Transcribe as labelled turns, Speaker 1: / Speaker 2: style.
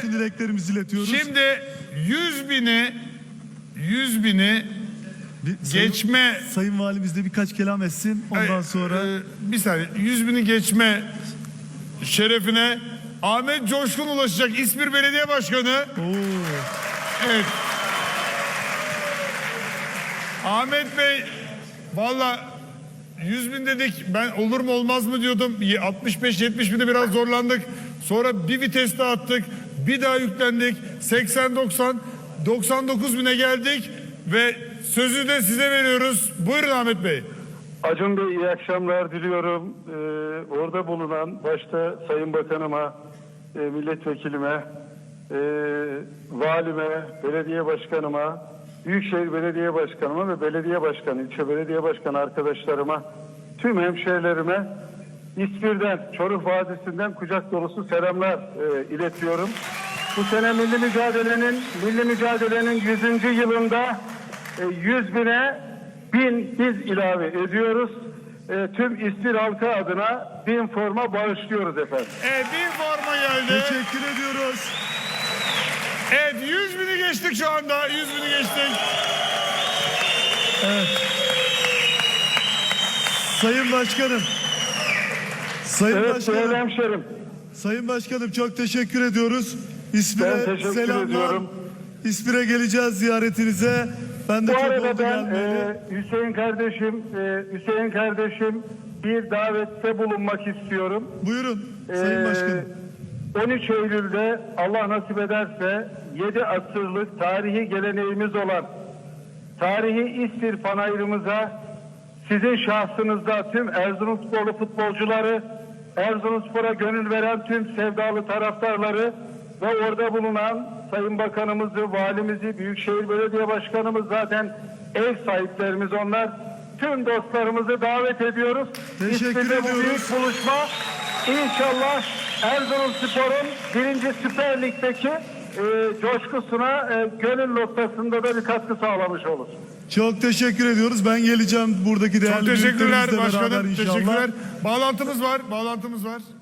Speaker 1: için dileklerimizi iletiyoruz.
Speaker 2: Şimdi 100 bini geçme...
Speaker 1: Sayın Valimiz de birkaç kelam etsin. Ondan sonra...
Speaker 2: bir saniye. 100 bini geçme şerefine Ahmet Coşkun ulaşacak. İzmir Belediye Başkanı. Evet. Ahmet Bey, valla 100 bin dedik. Ben olur mu olmaz mı diyordum. 65-70 binde biraz zorlandık. Sonra bir vites daha attık. Bir daha yüklendik. 80-90, 99 bine geldik. Ve sözü de size veriyoruz. Buyurun Ahmet Bey.
Speaker 3: Acun Bey, iyi akşamlar diliyorum. Orada bulunan başta Sayın Bakanıma, milletvekilime, valime, belediye başkanıma, Büyükşehir Belediye Başkanıma ve belediye başkanı, ilçe belediye başkanı arkadaşlarıma, tüm hemşehrilerime İzmir'den, Çoruh Vadisi'nden kucak dolusu selamlar iletiyorum. Bu sene milli mücadelenin 100. yılında 100 bine 1000 biz ilave ediyoruz. Tüm İzmir halkı adına 1000 forma bağışlıyoruz efendim.
Speaker 2: 1000 forma geldi.
Speaker 1: Teşekkür ediyoruz.
Speaker 2: Evet, 100 bini geçtik şu anda. 100 bini geçtik.
Speaker 1: Evet. Sayın Başkanım.
Speaker 3: Evet, değerli hemşerim.
Speaker 1: Sayın Başkanım, çok teşekkür ediyoruz. İzmir'e
Speaker 3: Ben teşekkür
Speaker 1: selamlar.
Speaker 3: ediyorum.
Speaker 1: İzmir'e geleceğiz ziyaretinize. Ben de
Speaker 3: Bu
Speaker 1: çok
Speaker 3: arada
Speaker 1: oldu
Speaker 3: ben
Speaker 1: gelmeli.
Speaker 3: Hüseyin kardeşim bir davette bulunmak istiyorum.
Speaker 1: Buyurun Sayın Başkanım.
Speaker 3: 13 Eylül'de Allah nasip ederse 7 asırlık tarihi geleneğimiz olan tarihi İzmir Panayırımıza sizin şahsınızda tüm Erzurumsporlu futbolcuları, Erzurumspor'a gönül veren tüm sevdalı taraftarları ve orada bulunan Sayın Bakanımızı, valimizi, Büyükşehir Belediye Başkanımız, zaten ev sahiplerimiz onlar. Tüm dostlarımızı davet ediyoruz.
Speaker 1: Teşekkür
Speaker 3: İzmir'de bu
Speaker 1: ediyoruz.
Speaker 3: büyük buluşma İnşallah Erzurumspor'un 1. Süper Lig'deki coşkusuna gönül noktasında da bir katkı sağlamış olur.
Speaker 1: Çok teşekkür ediyoruz. Ben geleceğim buradaki değerli
Speaker 2: Çok teşekkürler
Speaker 1: büyüklerimizle beraber
Speaker 2: başkanım.
Speaker 1: inşallah.
Speaker 2: Teşekkürler. Bağlantımız var.